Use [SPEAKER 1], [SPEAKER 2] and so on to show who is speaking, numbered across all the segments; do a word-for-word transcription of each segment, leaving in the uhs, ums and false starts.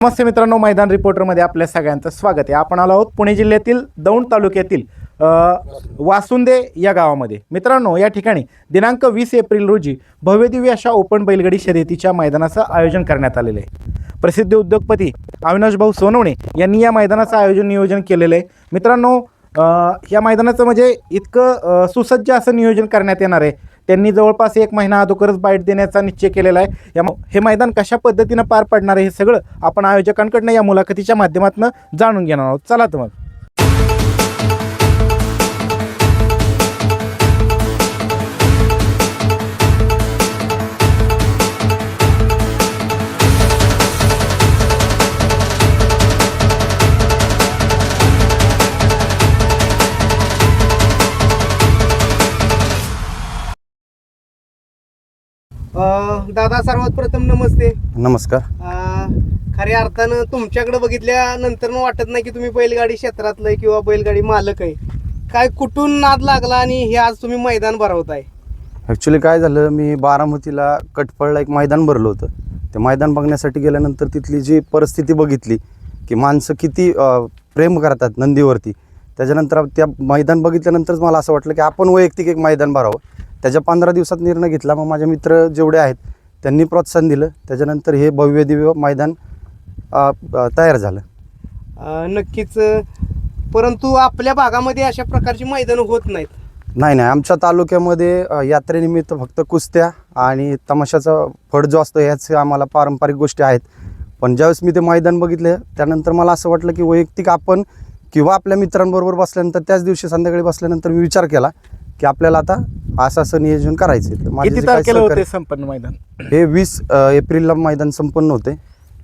[SPEAKER 1] नमस्ते मित्रांनो, मैदान रिपोर्टरमध्ये आपल्या सगळ्यांचं स्वागत आहे. आपण आलो आहोत पुणे जिल्ह्यातील दौंड तालुक्यातील वासुंदे या गावामध्ये. मित्रांनो, या ठिकाणी दिनांक वीस एप्रिल रोजी भव्यदिव्य अशा ओपन बैलगाडी शर्यतीच्या मैदानाचं आयोजन करण्यात आलेलं आहे. प्रसिद्ध उद्योगपती अविनाश भाऊ सोनवणे यांनी या मैदानाचं आयोजन नियोजन केलेलं आहे. मित्रांनो, या मैदानाचं म्हणजे इतकं सुसज्ज असं नियोजन करण्यात येणार आहे. त्यांनी जवळपास एक महिना अगोदरच बाईट देण्याचा निश्चय केलेला आहे. या हे मैदान कशा पद्धतीनं पार पडणार आहे हे सगळं आपण आयोजकांकडनं या मुलाखतीच्या माध्यमातून जाणून घेणार आहोत. चला तर मग.
[SPEAKER 2] दादा, सर्वात प्रथम नमस्ते.
[SPEAKER 3] नमस्कार.
[SPEAKER 2] खऱ्या अर्थानं तुमच्याकडे बघितल्यानंतर मग वाटत नाही की तुम्ही बैलगाडी क्षेत्रातलं किंवा बैलगाडी मालक आहे. काय कुठून नाद लागला आणि हे आज तुम्ही मैदान भरवताय?
[SPEAKER 3] ॲक्च्युली काय झालं, मी बारामतीला कटफळला एक मैदान भरलं होतं. ते मैदान बघण्यासाठी गेल्यानंतर तिथली जी परिस्थिती बघितली की माणसं किती प्रेम करतात नंदीवरती. त्याच्यानंतर त्या मैदान बघितल्यानंतरच मला असं वाटलं की आपण वैयक्तिक एक मैदान भरावं. त्याच्या पंधरा दिवसात निर्णय घेतला. मग माझे मित्र जेवढे आहेत त्यांनी प्रोत्साहन दिलं. त्याच्यानंतर हे भव्य दिव्य मैदान तयार झालं.
[SPEAKER 2] नक्कीच. परंतु आपल्या भागामध्ये अशा प्रकारची मैदानं होत नाहीत.
[SPEAKER 3] नाही नाही आमच्या तालुक्यामध्ये यात्रेनिमित्त फक्त कुस्त्या आणि तमाशाचा फड जो असतो ह्याच आम्हाला पारंपरिक गोष्टी आहेत. पण ज्यावेळेस मी ते मैदान बघितले त्यानंतर मला असं वाटलं की वैयक्तिक आपण किंवा आपल्या मित्रांबरोबर बसल्यानंतर त्याच दिवशी संध्याकाळी बसल्यानंतर मी विचार केला की आपल्याला आता असं असं नियोजन करायचं.
[SPEAKER 1] किती तारखेला होते संपन्न मैदान?
[SPEAKER 3] हे वीस एप्रिलला मैदान संपन्न होते.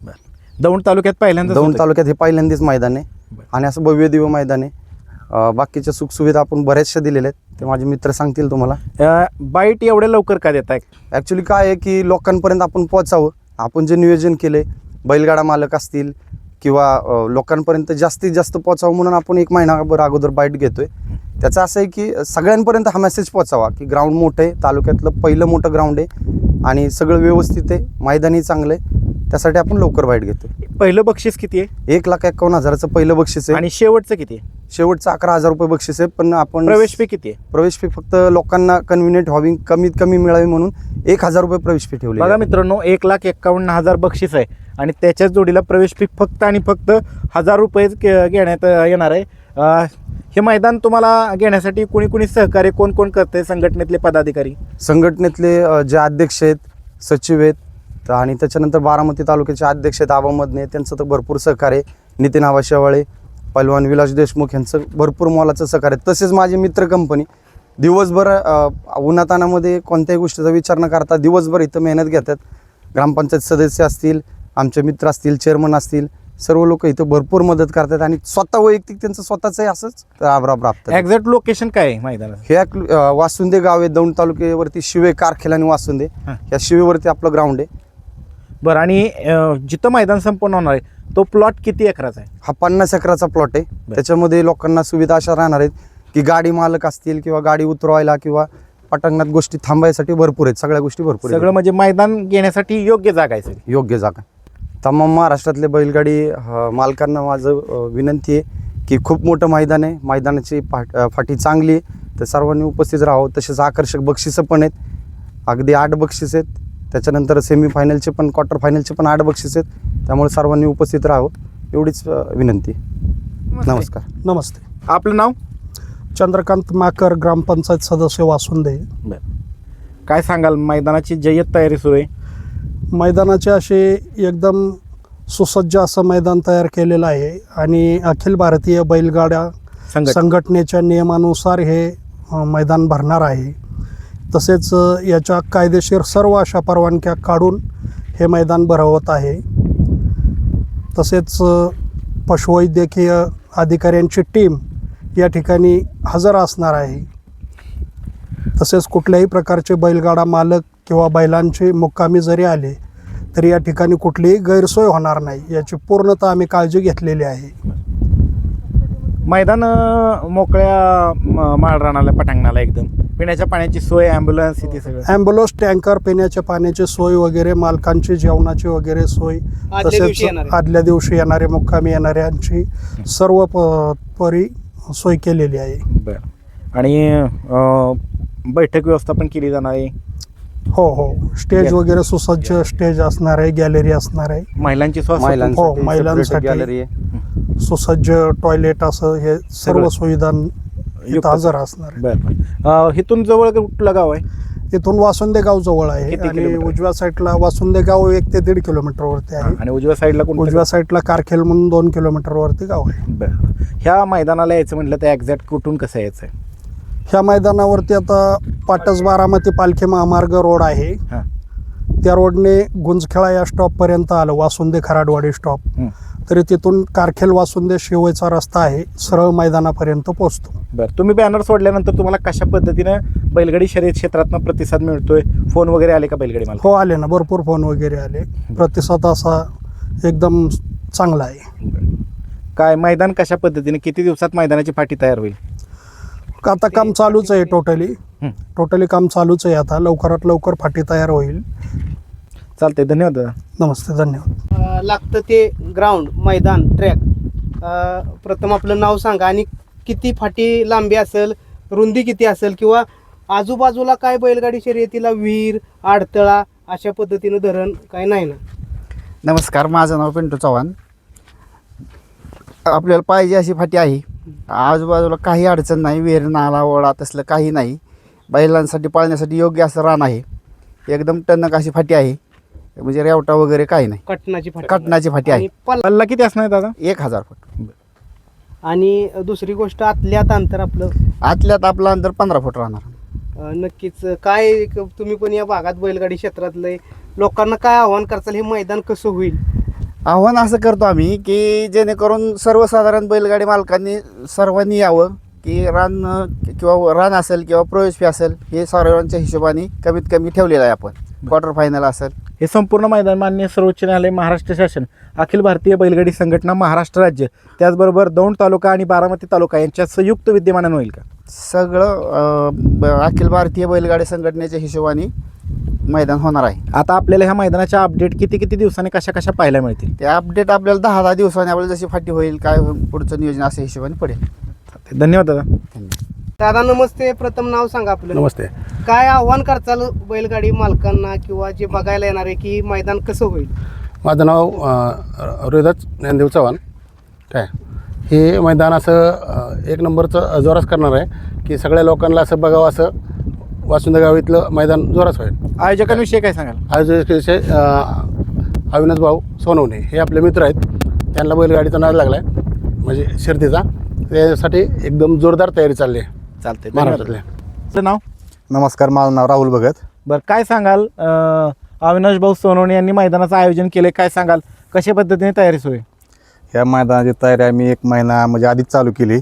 [SPEAKER 1] दौंड तालुक्यात पहिल्यांदा
[SPEAKER 3] दौंड तालुक्यात हे पहिल्यांदाच मैदान आहे आणि असं भव्य दिव्य मैदान आहे. बाकीच्या सुखसुविधा आपण बऱ्याचशा दिलेल्या आहेत, ते माझे मित्र सांगतील तुम्हाला.
[SPEAKER 1] बाईट एवढ्या लवकर का देताय?
[SPEAKER 3] ॲक्च्युली काय आहे की लोकांपर्यंत आपण पोहोचावं. आपण जे नियोजन केले बैलगाडा मालक असतील किंवा लोकांपर्यंत जास्तीत जास्त पोचावं म्हणून आपण एक महिनाभर अगोदर बाईट घेतोय. त्याचं असं आहे की सगळ्यांपर्यंत हा मेसेज पोचावा की ग्राउंड मोठं आहे, तालुक्यातलं पहिलं मोठं ग्राउंड आहे आणि सगळं व्यवस्थित आहे, मैदानी चांगलं आहे. त्यासाठी आपण लवकर बाईट घेतो.
[SPEAKER 1] पहिलं बक्षीस किती आहे?
[SPEAKER 3] एक लाख एकावन्न हजाराचं पहिलं बक्षीस आहे
[SPEAKER 1] आणि शेवटचं किती आहे?
[SPEAKER 3] शेवटचं अकरा हजार रुपये बक्षीस आहे. पण आपण
[SPEAKER 1] प्रवेश फी किती आहे?
[SPEAKER 3] प्रवेश फी फक्त लोकांना कन्व्हिनियंट व्हावी, कमीत कमी मिळावी म्हणून एक हजार रुपये प्रवेश फी ठेवली.
[SPEAKER 1] बघा मित्रांनो, एक लाख एक्कावन्न हजार बक्षीस आहे आणि त्याच्याच जोडीला प्रवेश फी फक्त आणि फक्त हजार रुपये घेण्यात येणार आहे. हे मैदान तुम्हाला घेण्यासाठी कोणी कोणी सहकार्य कोण कोण करते? संघटनेतले पदाधिकारी,
[SPEAKER 3] संघटनेतले जे अध्यक्ष आहेत, सचिव आहेत आणि त्याच्यानंतर बारामती तालुक्याचे अध्यक्ष आहेत आबा मदने, त्यांचं तर भरपूर सहकार्य. नितीन आबा शेवाळे, पैलवान विलास देशमुख यांचं भरपूर मोलाचं सहकार्य. तसेच माझी मित्र कंपनी दिवसभर उन्हातानामध्ये कोणत्याही गोष्टीचा विचार न करता दिवसभर इथं मेहनत घेतात. ग्रामपंचायत सदस्य असतील, आमचे मित्र असतील, चेअरमन असतील, सर्व लोक इथं भरपूर मदत करतात आणि स्वतः वैयक्तिक त्यांचं स्वतःच असंच राबराब राबतात.
[SPEAKER 1] एक्झॅक्ट लोकेशन काय आहे मैदानाचं?
[SPEAKER 3] हे वासुंदे गाव आहे, दौंड तालुक्यावरती शिवे कारखेल आणि वासुंदे या शिवेवरती आपलं ग्राउंड आहे.
[SPEAKER 1] बरं, आणि जिथं मैदान संपन्न होणार आहे तो प्लॉट किती एकराचा आहे?
[SPEAKER 3] हा पन्नास एकराचा प्लॉट आहे. त्याच्यामध्ये लोकांना सुविधा अशा राहणार आहेत की गाडी मालक असतील किंवा गाडी उतरवायला किंवा पटांगणात गोष्टी थांबायसाठी भरपूर आहेत. सगळ्या गोष्टी भरपूर आहेत.
[SPEAKER 1] सगळं म्हणजे मैदान घेण्यासाठी योग्य जागा आहे सगळी.
[SPEAKER 3] योग्य जागा. तमाम महाराष्ट्रातले बैलगाडी मालकांना माझं विनंती आहे की खूप मोठं मैदान आहे, मैदानाची फाट फाटी चांगली आहे, तर सर्वांनी उपस्थित राहावं. तसेच आकर्षक बक्षिसं पण आहेत, अगदी आठ बक्षीस आहेत. त्याच्यानंतर सेमीफायनलचे पण क्वार्टर फायनलचे पण आठ बक्षीस आहेत. त्यामुळे सर्वांनी उपस्थित राहावं एवढीच विनंती. नमस्कार.
[SPEAKER 4] नमस्ते.
[SPEAKER 1] आपलं नाव?
[SPEAKER 4] चंद्रकांत माकर, ग्रामपंचायत सदस्य वासुंदे.
[SPEAKER 1] काय सांगाल, मैदानाची जय्यत तयारी सुरू आहे?
[SPEAKER 4] मैदानाचे असे एकदम सुसज्ज असं मैदान तयार केलेलं आहे आणि अखिल भारतीय बैलगाड्या संघटनेच्या नियमानुसार हे मैदान भरणार आहे. तसेच याच्या कायदेशीर सर्व अशा परवानग्या काढून हे मैदान भरवत आहे. तसेच पशुवैद्यकीय अधिकाऱ्यांची टीम या ठिकाणी हजर असणार आहे. तसेच कुठल्याही प्रकारचे बैलगाडा मालक किंवा बैलांचे मुक्कामी जरी आले तरी या ठिकाणी कुठलीही गैरसोय होणार नाही याची पूर्णतः आम्ही काळजी घेतलेली आहे.
[SPEAKER 1] मैदान अं, मोकळ्या म- माळरानाला पटांगणाला एकदम पिण्याच्या पाण्याची सोय ॲम्ब्युलन्स इथे सगळं
[SPEAKER 4] ॲम्ब्युलन्स टँकर पिण्याच्या पाण्याची सोय वगैरे मालकांची जेवणाची वगैरे सोय
[SPEAKER 2] आदल्या
[SPEAKER 4] तसेच
[SPEAKER 2] दिवशी येणारे.
[SPEAKER 4] आदल्या दिवशी येणारे मुक्कामी येणाऱ्यांची सर्व प- परी सोय केलेली आहे.
[SPEAKER 1] बरं आणि अं, बैठक व्यवस्थापन केली जाणार आहे.
[SPEAKER 4] हो हो स्टेज वगैरे सुसज्ज स्टेज असणार आहे, गॅलरी असणार आहे,
[SPEAKER 1] महिलांची स्वास्थ्य
[SPEAKER 4] हो,
[SPEAKER 3] महिलांसाठी
[SPEAKER 4] महिलांसाठी.
[SPEAKER 3] गॅलरी आहे.
[SPEAKER 4] सुसज्ज टॉयलेट असं हे सर्व
[SPEAKER 1] सगळं.
[SPEAKER 4] सुविधा
[SPEAKER 1] युक्त.
[SPEAKER 4] इथं हजर असणार आहे.
[SPEAKER 1] बरं बरं अं, इथून जवळ कुठलं गाव आहे?
[SPEAKER 4] इथून वासुंदे गाव जवळ आहे
[SPEAKER 1] किती
[SPEAKER 4] आणि
[SPEAKER 1] किलोमीटर?
[SPEAKER 4] उजव्या साईडला वासुंदे गाव एक ते दीड किलोमीटरवरती आहे.
[SPEAKER 1] आणि उजव्या साईडला कोणतं
[SPEAKER 4] उजव्या साईडला कारखेल म्हणून दोन किलोमीटरवरती गाव आहे.
[SPEAKER 1] बरं ह्या मैदानाला यायचं म्हटलं तर एक्झॅक्ट कुठून कसं यायचं आहे?
[SPEAKER 4] ह्या मैदानावरती आता पाटस बारामती पालखी महामार्ग रोड आहे.
[SPEAKER 1] हां
[SPEAKER 4] त्या रोडने गुंजखेळा या स्टॉपपर्यंत आलं, वासुंदे खराडवाडी स्टॉप.
[SPEAKER 1] हं.
[SPEAKER 4] तरी तिथून कारखेल वासुंदे शिवयचा रस्ता आहे, सरळ मैदानापर्यंत पोहोचतो.
[SPEAKER 1] बरं तुम्ही बॅनर सोडल्यानंतर तुम्हाला कशा पद्धतीनं बैलगाडी शर्यत क्षेत्रातनं प्रतिसाद मिळतोय? फोन वगैरे आले का बैलगाडी मला?
[SPEAKER 4] हो आले ना, भरपूर फोन वगैरे आले. प्रतिसाद असा एकदम चांगला आहे.
[SPEAKER 1] काय मैदान कशा पद्धतीने किती दिवसात मैदानाची पाठी तयार होईल?
[SPEAKER 4] आता काम चालूच आहे टोटली
[SPEAKER 1] हं.
[SPEAKER 4] टोटली काम चालूच आहे. आता लवकरात लवकर फाटी तयार होईल.
[SPEAKER 1] चालतंय धन्यवाद दादा.
[SPEAKER 4] नमस्ते, धन्यवाद.
[SPEAKER 2] अं, लागतं ते ग्राउंड मैदान ट्रॅक प्रथम आपलं नाव सांगा आणि किती फाटी लांबी असेल, रुंदी किती असेल, किंवा आजूबाजूला काय बैलगाडी शर्यतीला विहीर आडतळा अशा पद्धतीनं धरण काय नाही ना?
[SPEAKER 5] नमस्कार, माझं नाव पिंटू चव्हाण. आपल्याला पाहिजे अशी फाटी आहे. आजूबाजूला काही अडचण नाही, विहीर नाला ओढा तसलं काही नाही. बैलांसाठी पाळण्यासाठी योग्य असं रान आहे. एकदम टणक अशी फाटी आहे, म्हणजे रेवटा वगैरे काही नाही.
[SPEAKER 2] कटनाची फाटी
[SPEAKER 5] कटनाची फाटी आहे.
[SPEAKER 2] आणि पल-
[SPEAKER 1] पल्ला किती असणार दादा?
[SPEAKER 5] एक हजार फूट.
[SPEAKER 2] आणि दुसरी गोष्ट आतल्यात अंतर आपलं
[SPEAKER 5] आतल्यात आपलं अंतर पंधरा फूट राहणार.
[SPEAKER 2] अं, नक्कीच काय एक तुम्ही पण या भागात बैलगाडी क्षेत्रातलं लोकांना काय आव्हान करताल, हे मैदान कसं होईल?
[SPEAKER 5] आव्हान असं करतो आम्ही की जेणेकरून सर्वसाधारण बैलगाडी मालकांनी सर्वांनी यावं, की रान किंवा रान असेल किंवा प्रवेश फी असेल हे सर्वांच्या हिशोबाने कमीत कमी ठेवलेलं आहे. आपण क्वार्टर फायनल असेल
[SPEAKER 1] हे संपूर्ण मैदान मान्य सर्वोच्च न्यायालय, महाराष्ट्र शासन, अखिल भारतीय बैलगाडी संघटना महाराष्ट्र राज्य, त्याचबरोबर दौंड तालुका आणि बारामती तालुका यांच्या संयुक्त विद्यमानानं होईल का?
[SPEAKER 5] सगळं अं, ब- अखिल भारतीय बैलगाडी संघटनेच्या हिशोबाने मैदान होणार आहे.
[SPEAKER 1] आता आपल्याला ह्या मैदानाच्या अपडेट किती किती दिवसांनी कशा कशा पाहायला मिळतील?
[SPEAKER 5] ते अपडेट आपल्याला दहा दहा दिवसांनी आपल्याला जशी फाटी होईल काय होईल, पुढचं नियोजन अशा हिशोबाने पडेल.
[SPEAKER 1] धन्यवाद दादा.
[SPEAKER 5] धन्यवाद.
[SPEAKER 2] दादा नमस्ते, प्रथम नाव सांगा आपलं.
[SPEAKER 6] नमस्ते.
[SPEAKER 2] काय आव्हान करताल बैलगाडी मालकांना किंवा जे बघायला येणार आहे की मैदान कसं होईल?
[SPEAKER 6] माझं नाव अ, रोहिदास ज्ञानदेव चव्हाण. काय हे मैदान असं अ, एक नंबरचं जोरास करणार आहे की सगळ्या लोकांना असं बघावं, असं वासुंदे गाव इथलं मैदान जोरास होईल.
[SPEAKER 1] आयोजकांविषयी काय सांगाल?
[SPEAKER 6] आज विषय अविनाश भाऊ सोनवणे हे आपले मित्र आहेत. त्यांना बैलगाडीचा नाद लागला आहे, म्हणजे शर्तीचा. त्यासाठी एकदम जोरदार तयारी चालली आहे
[SPEAKER 1] चालतंय
[SPEAKER 6] महाराष्ट्रातल्या.
[SPEAKER 1] तुझं नाव?
[SPEAKER 3] नमस्कार, माझं नाव राहुल भगत.
[SPEAKER 1] बरं काय सांगाल, अं, अविनाश भाऊ सोनवणे यांनी मैदानाचं आयोजन केले, काय सांगाल कशा पद्धतीने तयारी सुरू आहे?
[SPEAKER 3] ह्या मैदानाची तयारी आम्ही एक महिना म्हणजे आधीच चालू केली.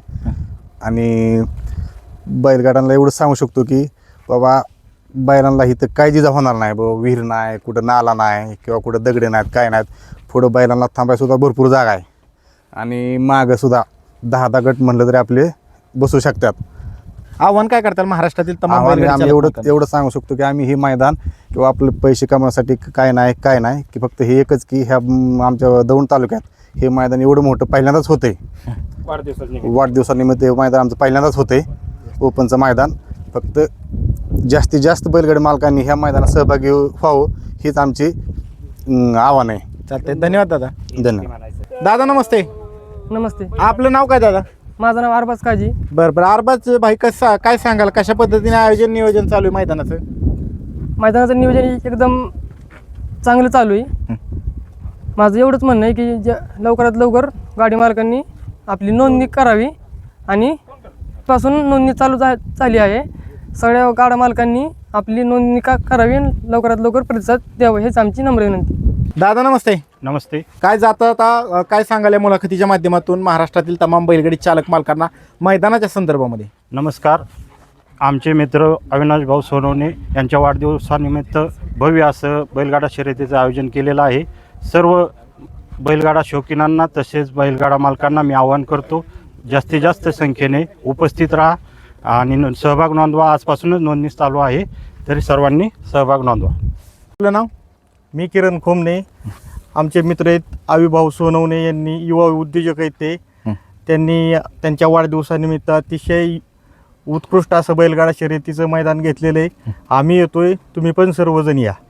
[SPEAKER 3] आणि बैलगाड्यांना एवढं सांगू शकतो की बाबा बैलांना इथं काय जिजा होणार नाही. बाबा विहीर नाही, कुठं नाला नाही किंवा कुठं दगडे नाहीत, काय नाहीत. पुढं बैलांना थांबायसुद्धा भरपूर जागा आहे. आणि मागंसुद्धा दहा दहा गट म्हणलं तरी आपले बसू शकतात.
[SPEAKER 1] आव्हान काय करताल महाराष्ट्रातील तमाम
[SPEAKER 3] आम्हाला
[SPEAKER 1] बैलगाडी
[SPEAKER 3] आम्ही
[SPEAKER 1] चालक
[SPEAKER 3] एवढं
[SPEAKER 1] मालकांना?
[SPEAKER 3] एवढं सांगू शकतो की आम्ही हे मैदान किंवा आपलं पैसे कमवण्यासाठी काय नाही काय नाही की फक्त हे एकच की ह्या म, आमच्या दौंड तालुक्यात हे मैदान एवढं मोठं पहिल्यांदाच होतंय. वाढदिवसानिमित्त हे मैदान आमचं पहिल्यांदाच होतंय, ओपनचं मैदान. फक्त जास्तीत जास्त बैलगाडी मालकांनी ह्या मैदानात सहभागी व्हावं हीच आमची अं, आव्हान आहे.
[SPEAKER 1] चालतंय धन्यवाद दादा.
[SPEAKER 3] धन्यवाद.
[SPEAKER 1] दादा नमस्ते.
[SPEAKER 7] नमस्ते,
[SPEAKER 1] आपलं नाव काय दादा?
[SPEAKER 7] माझं नाव अरबाज काजी.
[SPEAKER 1] बरं बरं अरबाज भाई कसं काय सांगाल कशा पद्धतीने आयोजन नियोजन चालू आहे मैदानाचं?
[SPEAKER 7] मैदानाचं नियोजन एकदम चांगलं चालू आहे. माझं एवढंच म्हणणं आहे की ज्या लवकरात लवकर गाडी मालकांनी आपली नोंदणी करावी आणि पासून नोंदणी चालू झा झाली आहे. सगळ्या गाड्या मालकांनी आपली नोंदणी का करावी आणि लवकरात लवकर प्रतिसाद द्यावं, हेच आमची नम्र विनंती.
[SPEAKER 1] दादा नमस्ते.
[SPEAKER 8] नमस्ते.
[SPEAKER 1] काय जाता आता काय सांगाल या मुलाखतीच्या माध्यमातून महाराष्ट्रातील तमाम बैलगाडी चालक मालकांना मैदानाच्या संदर्भामध्ये?
[SPEAKER 8] नमस्कार. आमचे मित्र अविनाश भाऊ सोनवणे यांच्या वाढदिवसानिमित्त भव्य असं बैलगाडा शर्यतीचं आयोजन केलेलं आहे. सर्व बैलगाडा शौकीनांना तसेच बैलगाडा मालकांना मी आवाहन करतो, जास्तीत जास्त संख्येने उपस्थित राहा आणि न- सहभाग नोंदवा. आजपासूनच नोंदणी चालू आहे, तरी सर्वांनी सहभाग नोंदवा.
[SPEAKER 1] आपलं नाव?
[SPEAKER 9] मी किरण खोमने. आमचे मित्र आहेत आविभाऊ सोनवणे यांनी, युवा उद्योजक आहेत ते.
[SPEAKER 1] हं.
[SPEAKER 9] त्यांनी त्यांच्या वाढदिवसानिमित्त अतिशय उत्कृष्ट असं बैलगाडा शर्यतीचं मैदान घेतलेलं आहे. आम्ही येतोय, तुम्ही पण सर्वजण या.